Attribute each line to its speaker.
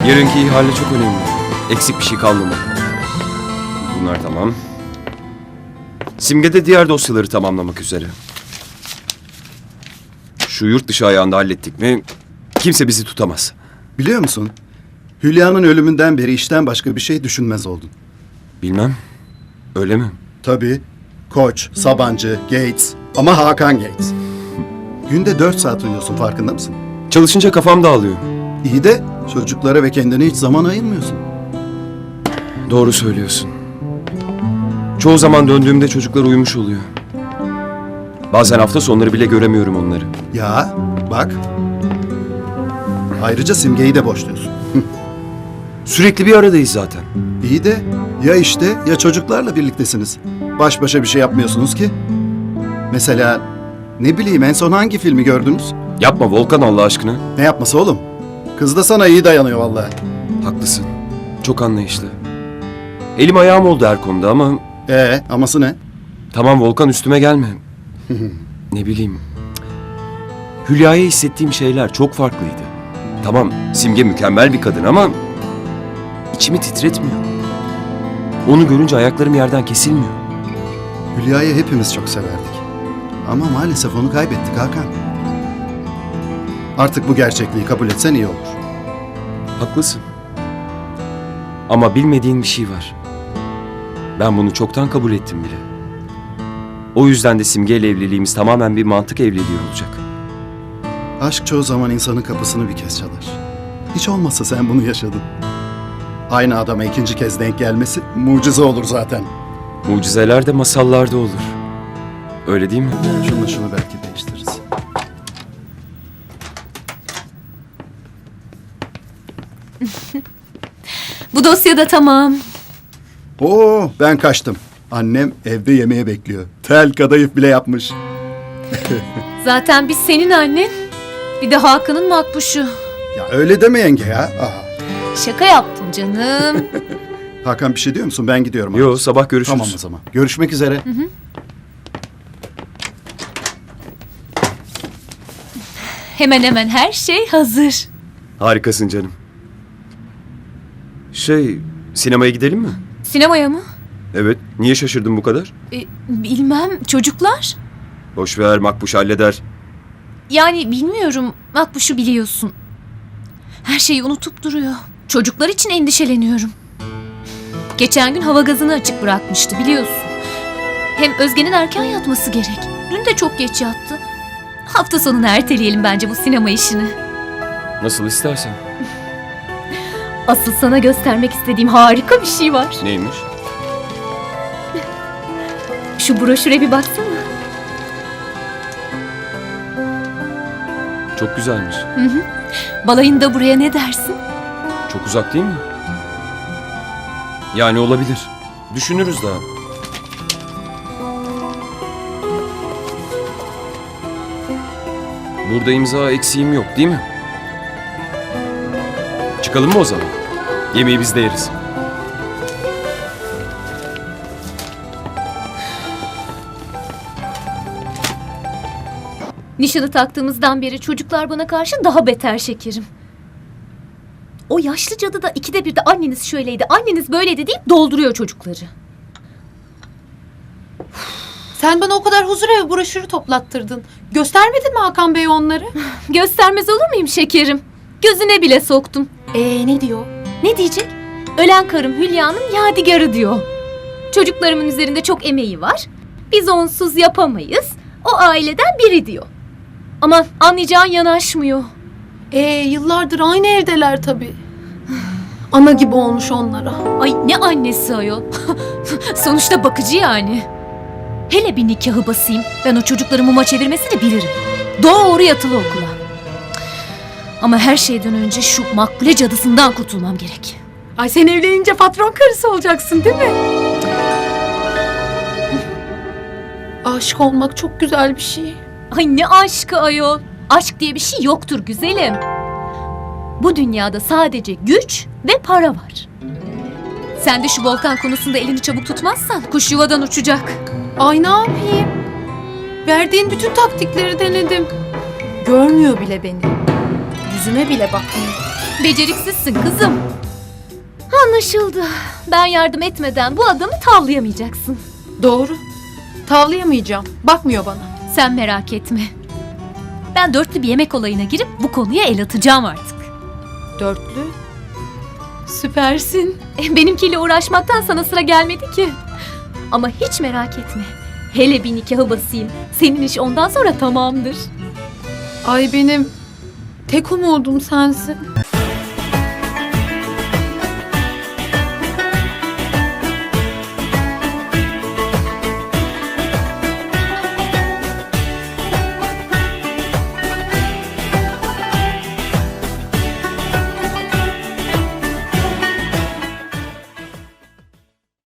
Speaker 1: Yarınki ihale çok önemli. Eksik bir şey kalmamalı. Bunlar tamam. Simge de diğer dosyaları tamamlamak üzere. Şu yurt dışı ayağında hallettik mi kimse bizi tutamaz.
Speaker 2: Biliyor musun? Hülya'nın ölümünden beri işten başka bir şey düşünmez oldun.
Speaker 1: Bilmem. Öyle mi?
Speaker 2: Tabii. Koç, Sabancı, Gates ama Hakan Gates. Günde 4 saat uyuyorsun, farkında mısın?
Speaker 1: Çalışınca kafam dağılıyor.
Speaker 2: İyi de çocuklara ve kendine hiç zaman ayırmıyorsun.
Speaker 1: Doğru söylüyorsun. Çoğu zaman döndüğümde çocuklar uyumuş oluyor. Bazen hafta sonları bile göremiyorum onları.
Speaker 2: Ya bak. Ayrıca Simge'yi de boşluyorsun.
Speaker 1: Sürekli bir aradayız zaten.
Speaker 2: İyi de ya işte ya çocuklarla birliktesiniz. Baş başa bir şey yapmıyorsunuz ki. Mesela ne bileyim en son hangi filmi gördünüz?
Speaker 1: Yapma Volkan Allah aşkına.
Speaker 2: Ne yapması oğlum? Kız da sana iyi dayanıyor vallahi.
Speaker 1: Haklısın. Çok anlayışlı. Elim ayağım oldu her konuda ama...
Speaker 2: Aması ne?
Speaker 1: Tamam Volkan üstüme gelme. Ne bileyim. Hülya'ya hissettiğim şeyler çok farklıydı. Tamam Simge mükemmel bir kadın ama... içimi titretmiyor. Onu görünce ayaklarım yerden kesilmiyor.
Speaker 2: Hülya'yı hepimiz çok severdik. Ama maalesef onu kaybettik Hakan. Artık bu gerçekliği kabul etsen iyi olur.
Speaker 1: Haklısın. Ama bilmediğin bir şey var. Ben bunu çoktan kabul ettim bile. O yüzden de Simge ile evliliğimiz tamamen bir mantık evliliği olacak.
Speaker 2: Aşk çoğu zaman insanın kapısını bir kez çalar. Hiç olmazsa sen bunu yaşadın. Aynı adama ikinci kez denk gelmesi mucize olur zaten.
Speaker 1: Mucizeler de masallarda olur. Öyle değil mi?
Speaker 2: Şunu belki değiştiririz.
Speaker 3: Bu dosya da tamam.
Speaker 2: Oo, ben kaçtım. Annem evde yemeğe bekliyor. Tel kadayıf bile yapmış.
Speaker 3: Zaten biz senin annen. Bir de Hakan'ın makbuşu.
Speaker 2: Ya öyle deme yenge ya.
Speaker 3: Şaka yaptım canım.
Speaker 2: Hakan bir şey diyor musun? Ben gidiyorum.
Speaker 1: Yo sabah görüşürüz.
Speaker 2: Tamam o zaman. Görüşmek üzere.
Speaker 3: Hemen hemen her şey hazır.
Speaker 1: Harikasın canım. Sinemaya gidelim mi?
Speaker 3: Sinemaya mı?
Speaker 1: Evet. Niye şaşırdın bu kadar?
Speaker 3: Bilmem, çocuklar.
Speaker 1: Boş ver Makbuş halleder.
Speaker 3: Yani bilmiyorum, makbuşu biliyorsun. Her şeyi unutup duruyor. Çocuklar için endişeleniyorum. Geçen gün hava gazını açık bırakmıştı biliyorsun. Hem Özge'nin erken yatması gerek. Dün de çok geç yattı. Hafta sonunu erteleyelim bence bu sinema işini.
Speaker 1: Nasıl istersen.
Speaker 3: Asıl sana göstermek istediğim harika bir şey var.
Speaker 1: Neymiş?
Speaker 3: Şu broşüre bir baksana.
Speaker 1: Çok güzelmiş.
Speaker 3: Balayında buraya ne dersin?
Speaker 1: Çok uzak değil mi? Yani olabilir. Düşünürüz daha. Burada imza eksiğim yok değil mi? Çıkalım mı o zaman? Yemeği biz de yeriz.
Speaker 3: Nişanı taktığımızdan beri çocuklar bana karşı daha beter şekerim. O yaşlı cadı da ikide bir de anneniz şöyleydi, anneniz böyleydi deyip dolduruyor çocukları.
Speaker 4: Sen bana o kadar huzurevi broşürü toplattırdın. Göstermedin mi Hakan Bey onları?
Speaker 3: Göstermez olur muyum şekerim? Gözüne bile soktum.
Speaker 4: Ne diyor?
Speaker 3: Ne diyecek? Ölen karım Hülya'nın yadigarı diyor. Çocuklarımın üzerinde çok emeği var. Biz onsuz yapamayız. O aileden biri diyor. Ama anlayacağın yanaşmıyor.
Speaker 4: Yıllardır aynı evdeler tabii. Ana gibi olmuş onlara.
Speaker 3: Ay ne annesi ayol. Sonuçta bakıcı yani. Hele bir nikahı basayım. Ben o çocukları muma çevirmesini bilirim. Doğru yatılı okula. Ama her şeyden önce şu makbule cadısından kurtulmam gerek.
Speaker 4: Ay sen evlenince patron karısı olacaksın değil mi? Aşık olmak çok güzel bir şey.
Speaker 3: Ay ne aşkı ayol. Aşk diye bir şey yoktur güzelim. Bu dünyada sadece güç ve para var. Sen de şu Volkan konusunda elini çabuk tutmazsan kuş yuvadan uçacak.
Speaker 4: Ay ne yapayım? Verdiğin bütün taktikleri denedim. Görmüyor bile beni. Yüzüme bile bakmıyor.
Speaker 3: Beceriksizsin kızım. Anlaşıldı. Ben yardım etmeden bu adamı tavlayamayacaksın.
Speaker 4: Doğru. Tavlayamayacağım. Bakmıyor bana.
Speaker 3: Sen merak etme. Ben dörtlü bir yemek olayına girip bu konuya el atacağım artık.
Speaker 4: Dörtlü. Süpersin.
Speaker 3: Benimkiyle uğraşmaktan sana sıra gelmedi ki. Ama hiç merak etme. Hele bir nikahı basayım. Senin iş ondan sonra tamamdır.
Speaker 4: Ay benim tek umudum sensin.